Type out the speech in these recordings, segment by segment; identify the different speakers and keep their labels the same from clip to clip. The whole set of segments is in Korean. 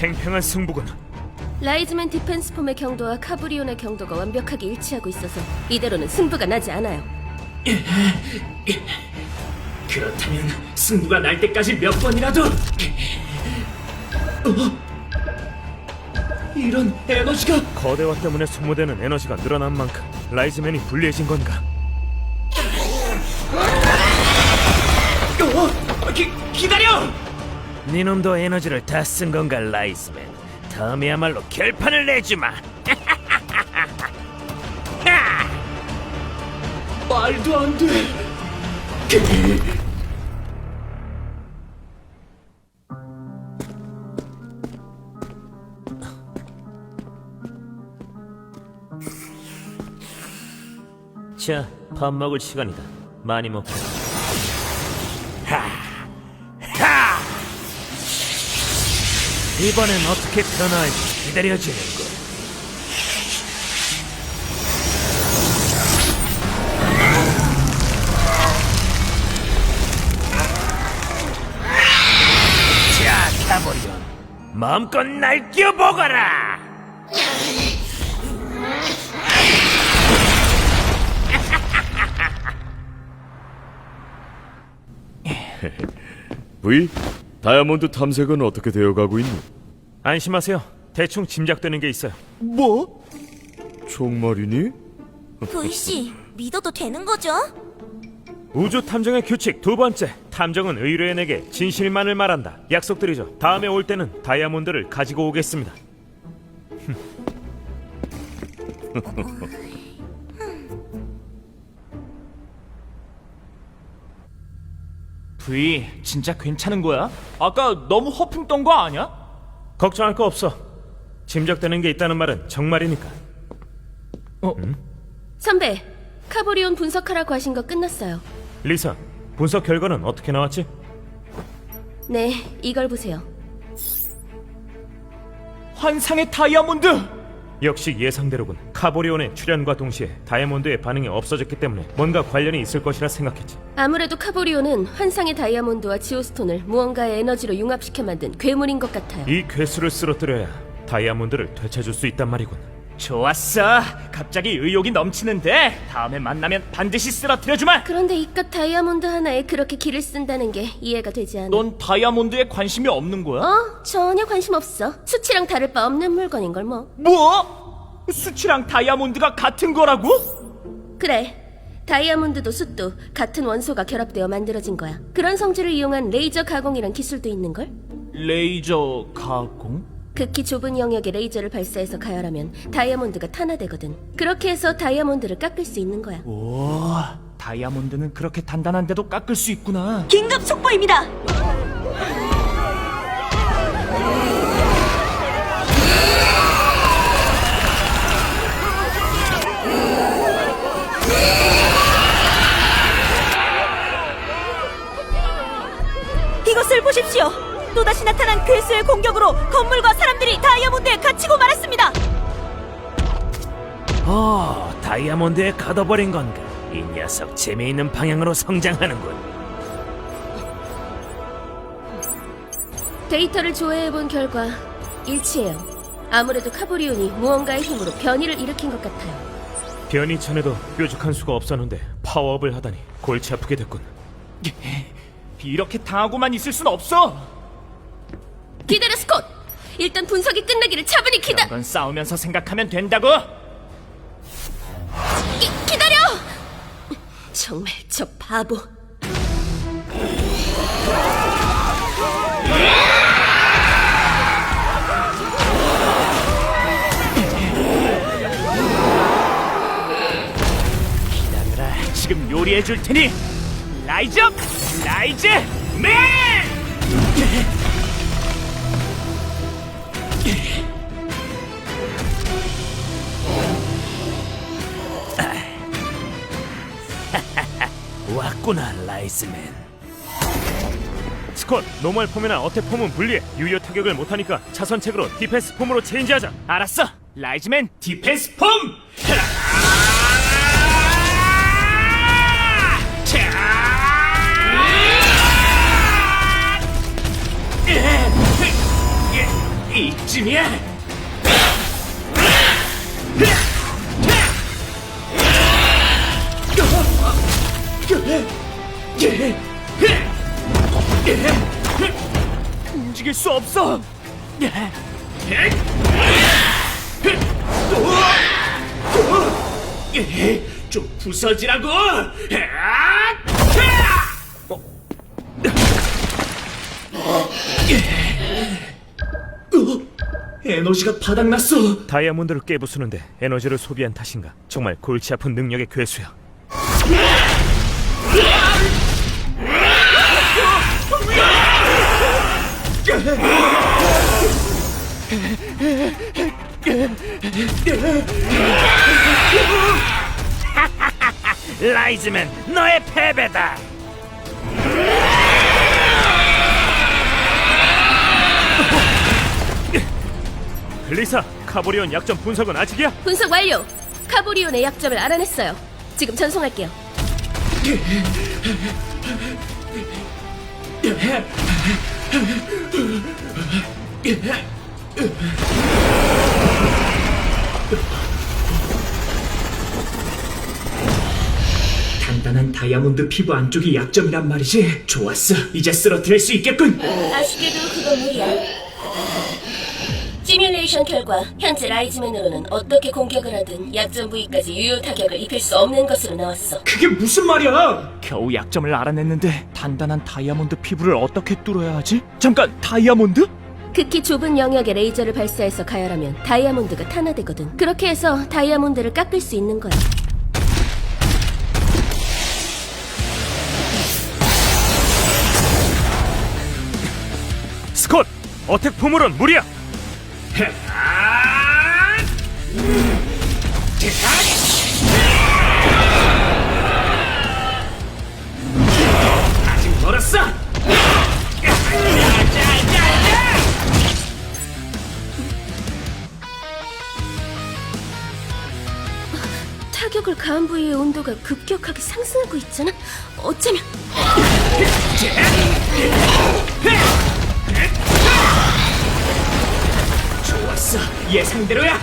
Speaker 1: 팽팽한 승부군.
Speaker 2: 라이즈맨 디펜스 폼의 경도와 카브리온의 경도가 완벽하게 일치하고 있어서 이대로는 승부가 나지 않아요.
Speaker 3: 그렇다면 승부가 날 때까지 몇 번이라도 이런 에너지가
Speaker 1: 거대화 때문에 소모되는 에너지가 늘어난 만큼 라이즈맨이 불리해진 건가?
Speaker 3: 기다려!
Speaker 1: 니놈도 에너지를 다 쓴 건가, 라이즈맨? 다음에야말로 결판을 내주마.
Speaker 3: 말도 안 돼.
Speaker 1: 자, 밥 먹을 시간이다. 많이 먹자. 이번엔 어떻게 변화할지 기다려지는군. 자, 가버리온. 마음껏 날뛰어보거라!
Speaker 4: V, 다이아몬드 탐색은 어떻게 되어가고 있니?
Speaker 1: 안심하세요. 대충 짐작되는 게 있어요.
Speaker 4: 뭐? 정말이니?
Speaker 5: V씨, 믿어도 되는 거죠?
Speaker 1: 우주 탐정의 규칙 두 번째. 탐정은 의뢰인에게 진실만을 말한다. 약속드리죠. 다음에 올 때는 다이아몬드를 가지고 오겠습니다.
Speaker 3: V, 진짜 괜찮은 거야? 아까 너무 허풍 떤 거 아니야?
Speaker 1: 걱정할 거 없어. 짐작되는 게 있다는 말은 정말이니까.
Speaker 2: 선배, 카브리온 분석하라고 하신 거 끝났어요.
Speaker 1: 리사, 분석 결과는 어떻게 나왔지?
Speaker 2: 네, 이걸 보세요.
Speaker 3: 환상의 다이아몬드!
Speaker 1: 역시 예상대로군. 카보리온의 출현과 동시에 다이아몬드의 반응이 없어졌기 때문에 뭔가 관련이 있을 것이라 생각했지.
Speaker 2: 아무래도 카브리온은 환상의 다이아몬드와 지오스톤을 무언가의 에너지로 융합시켜 만든 괴물인 것 같아요.
Speaker 1: 이 괴수를 쓰러뜨려야 다이아몬드를 되찾을 수 있단 말이군.
Speaker 3: 좋았어. 갑자기 의욕이 넘치는데 다음에 만나면 반드시 쓰러뜨려주마.
Speaker 2: 그런데 이깟 다이아몬드 하나에 그렇게 기를 쓴다는 게 이해가 되지 않아.
Speaker 3: 넌 다이아몬드에 관심이 없는 거야?
Speaker 2: 전혀 관심 없어. 수치랑 다를 바 없는 물건인 걸 뭐.
Speaker 3: 뭐? 수치랑 다이아몬드가 같은 거라고?
Speaker 2: 그래. 다이아몬드도 숯도 같은 원소가 결합되어 만들어진 거야. 그런 성질을 이용한 레이저 가공이란 기술도 있는 걸?
Speaker 3: 레이저 가공?
Speaker 2: 극히 좁은 영역에 레이저를 발사해서 가열하면 다이아몬드가 탄화되거든. 그렇게 해서 다이아몬드를 깎을 수 있는 거야.
Speaker 3: 오, 다이아몬드는 그렇게 단단한데도 깎을 수 있구나.
Speaker 5: 긴급 속보입니다! 이것을 보십시오! 또다시 나타난 괴수의 공격으로 건물과 사람들이 다이아몬드에 갇히고 말았습니다!
Speaker 1: 다이아몬드에 가둬버린 건가? 이 녀석 재미있는 방향으로 성장하는군.
Speaker 2: 데이터를 조회해본 결과 일치해요. 아무래도 카브리온이 무언가의 힘으로 변이를 일으킨 것 같아요.
Speaker 1: 변이 전에도 뾰족한 수가 없었는데 파워업을 하다니 골치 아프게 됐군.
Speaker 3: 이렇게 당하고만 있을 순 없어.
Speaker 2: 기다려, 스콧! 일단 분석이 끝나기를 차분히
Speaker 3: 이런 건 싸우면서 생각하면 된다고.
Speaker 2: 기다려! 정말 저 바보.
Speaker 3: 기다려라. 지금 요리해 줄 테니. 라이즈 업! 라이즈 맨!
Speaker 1: 왔구나, 라이즈맨. 스콧, 노멀 폼이나 어택 폼은 분리해. 유효 타격을 못하니까 차선책으로 디펜스 폼으로 체인지하자.
Speaker 3: 알았어. 라이즈맨 디펜스 폼! 이 수 없어. 좀 부서지라고. 에너지가 바닥났어.
Speaker 1: 다이아몬드를 깨부수는데 에너지를 소비한 탓인가? 정말 골치 아픈 능력의 괴수야.
Speaker 3: 라이즈맨, 너의 패배다.
Speaker 1: 리사, 카보리온 약점 분석은 아직이야?
Speaker 2: 분석 완료. 카보리온의 약점을 알아냈어요. 지금 전송할게요.
Speaker 3: 단단한 다이아몬드 피부 안쪽이 약점이란 말이지. 좋았어, 이제 쓰러뜨릴 수 있겠군.
Speaker 2: 아쉽게도 그건 무리야. 시뮬레이션 결과 현재 라이즈맨으로는 어떻게 공격을 하든 약점 부위까지 유효 타격을 입힐 수 없는 것으로 나왔어.
Speaker 3: 그게 무슨 말이야? 겨우 약점을 알아냈는데 단단한 다이아몬드 피부를 어떻게 뚫어야 하지? 잠깐, 다이아몬드?
Speaker 2: 극히 좁은 영역에 레이저를 발사해서 가열하면 다이아몬드가 탄화되거든. 그렇게 해서 다이아몬드를 깎을 수 있는 거야.
Speaker 1: 스콧! 어택 포물은 무리야!
Speaker 3: 아직 멀었어.
Speaker 2: 타격을 가한 부위의 온도가 급격하게 상승하고 있잖아. 어쩌면
Speaker 3: 좋았어, 예상대로야.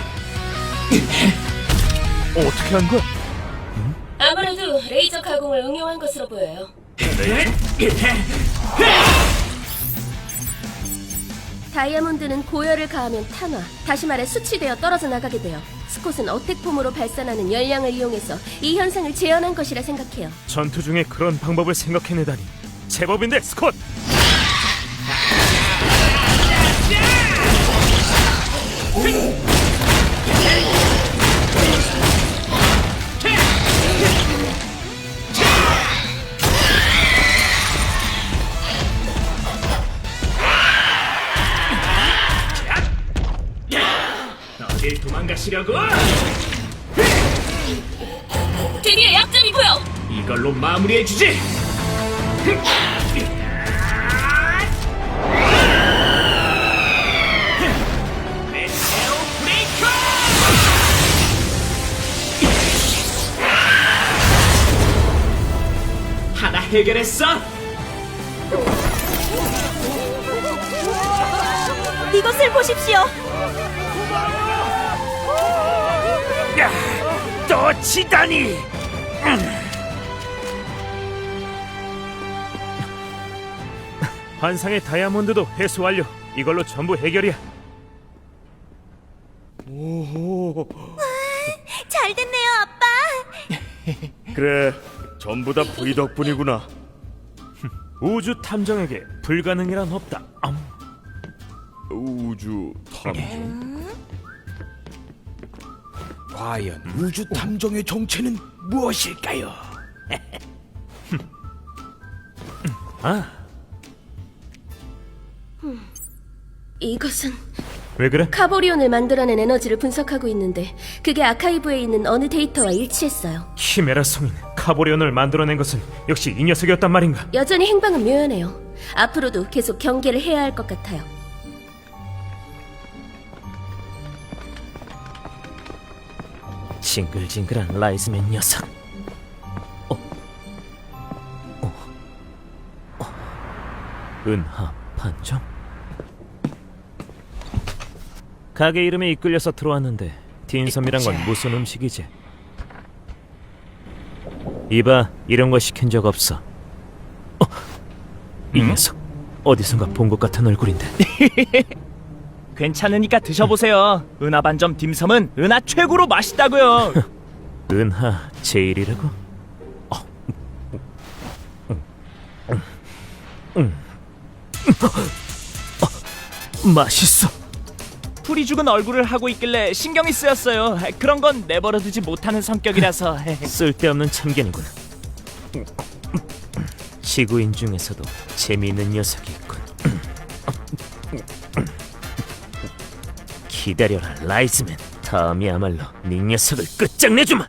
Speaker 1: 어떻게 한 거야?
Speaker 2: 아무래도 레이저 가공을 응용한 것으로 보여요. 다이아몬드는 고열을 가하면 탄화, 다시 말해 수치되어 떨어져 나가게 돼요. 스콧은 어택폼으로 발산하는 열량을 이용해서 이 현상을 재현한 것이라 생각해요.
Speaker 1: 전투 중에 그런 방법을 생각해내다니 제법인데, 스콧!
Speaker 3: 어딜 도망가시려고?
Speaker 2: 드디어 약점이 보여!
Speaker 3: 이걸로 마무리해주지. 메테오 브레이커! 하나 해결했어.
Speaker 5: 이것을 보십시오.
Speaker 3: 또 치다니.
Speaker 1: 환상의 다이아몬드도 회수 완료. 이걸로 전부 해결이야.
Speaker 4: 오호.
Speaker 5: 잘 됐네요, 아빠.
Speaker 4: 그래, 전부 다 부이 덕분이구나.
Speaker 1: 우주 탐정에게 불가능이란 없다.
Speaker 4: 우주 탐정.
Speaker 6: 과연 우주 탐정의 정체는 무엇일까요?
Speaker 2: 이것은
Speaker 1: 왜 그래?
Speaker 2: 카보리온을 만들어낸 에너지를 분석하고 있는데 그게 아카이브에 있는 어느 데이터와 일치했어요.
Speaker 1: 키메라 성인 카보리온을 만들어낸 것은 역시 이 녀석이었단 말인가?
Speaker 2: 여전히 행방은 묘연해요. 앞으로도 계속 경계를 해야 할 것 같아요.
Speaker 1: 징글징글한 라이즈맨 녀석. 은하 판정? 가게 이름에 이끌려서 들어왔는데 딘섬이란 건 무슨 음식이지? 이봐, 이런 거 시킨 적 없어. 이 녀석 어디선가 본 것 같은 얼굴인데.
Speaker 3: 괜찮으니까 드셔보세요. 은하 반점 딤섬은 은하 최고로 맛있다고요.
Speaker 1: 은하 제일이라고? 맛있어.
Speaker 3: 풀이 죽은 얼굴을 하고 있길래 신경이 쓰였어요. 그런 건 내버려두지 못하는 성격이라서.
Speaker 1: 쓸데없는 참견이군. 지구인 중에서도 재미있는 녀석이 있군. 기다려라 라이즈맨. 다음이야말로 네 녀석을 끝장내주마.